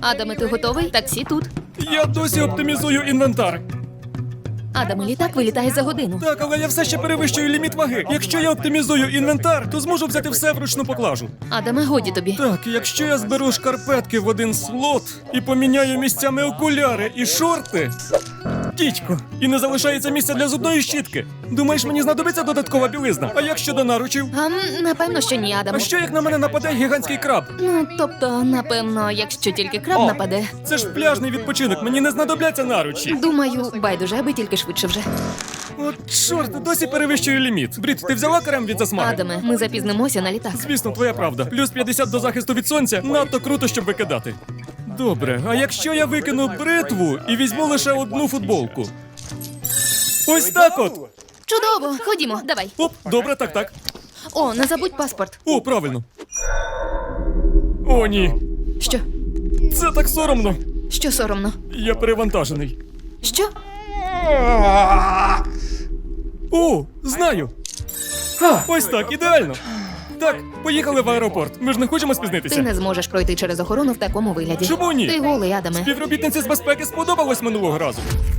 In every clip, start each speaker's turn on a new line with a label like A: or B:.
A: Адаме, ти готовий? Таксі тут.
B: Я досі оптимізую інвентар.
A: Адаме, літак вилітає за годину.
B: Так, але я все ще перевищую ліміт ваги. Якщо я оптимізую інвентар, то зможу взяти все вручну поклажу.
A: Адаме, годі тобі.
B: Так, якщо я зберу шкарпетки в один слот і поміняю місцями окуляри і шорти. Дідько, і не залишається місця для зубної щітки. Думаєш, мені знадобиться додаткова білизна? А як щодо наручів?
A: Напевно, що ні, Адаме.
B: А що як на мене нападе гігантський краб?
A: Ну, тобто, напевно, якщо тільки краб нападе.
B: Це ж пляжний відпочинок, мені не знадобляться наручі.
A: Думаю, байдуже, аби тільки швидше вже.
B: От чорт, досі перевищую ліміт. Брід, ти взяла крем від засмаги?
A: Адаме, ми запізнимося на літак.
B: Звісно, твоя правда. Плюс 50 до захисту від сонця надто круто, щоб викидати. Добре, а якщо я викину бритву і візьму лише одну футболку? Ось так от!
A: Чудово, ходімо, давай.
B: Оп, добре, так.
A: О, не забудь паспорт.
B: О, правильно. О, ні.
A: Що?
B: Це так соромно.
A: Що соромно?
B: Я перевантажений.
A: Що?
B: О, знаю. Ось так, ідеально. Так, поїхали в аеропорт. Ми ж не хочемо
A: Ти
B: спізнитися.
A: не зможеш пройти через охорону в такому вигляді.
B: Чому ні?
A: Ти голий, Адаме.
B: Співробітниці з безпеки сподобалось минулого разу.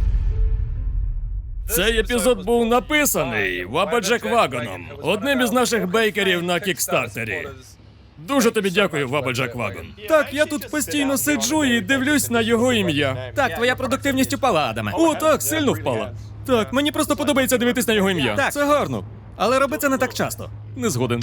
B: Цей епізод був написаний Вабаджек Вагоном, одним із наших бейкерів на кікстартері. Дуже тобі дякую, Вабаджек Вагон. Так, я тут постійно сиджу і дивлюсь на його ім'я.
C: Так, твоя продуктивність упала, Адаме.
B: О, так, сильно впала. Так, мені просто подобається дивитись на його ім'я.
C: Так.
B: Це гарно.
C: Але роби це не так часто.
B: Не згоден.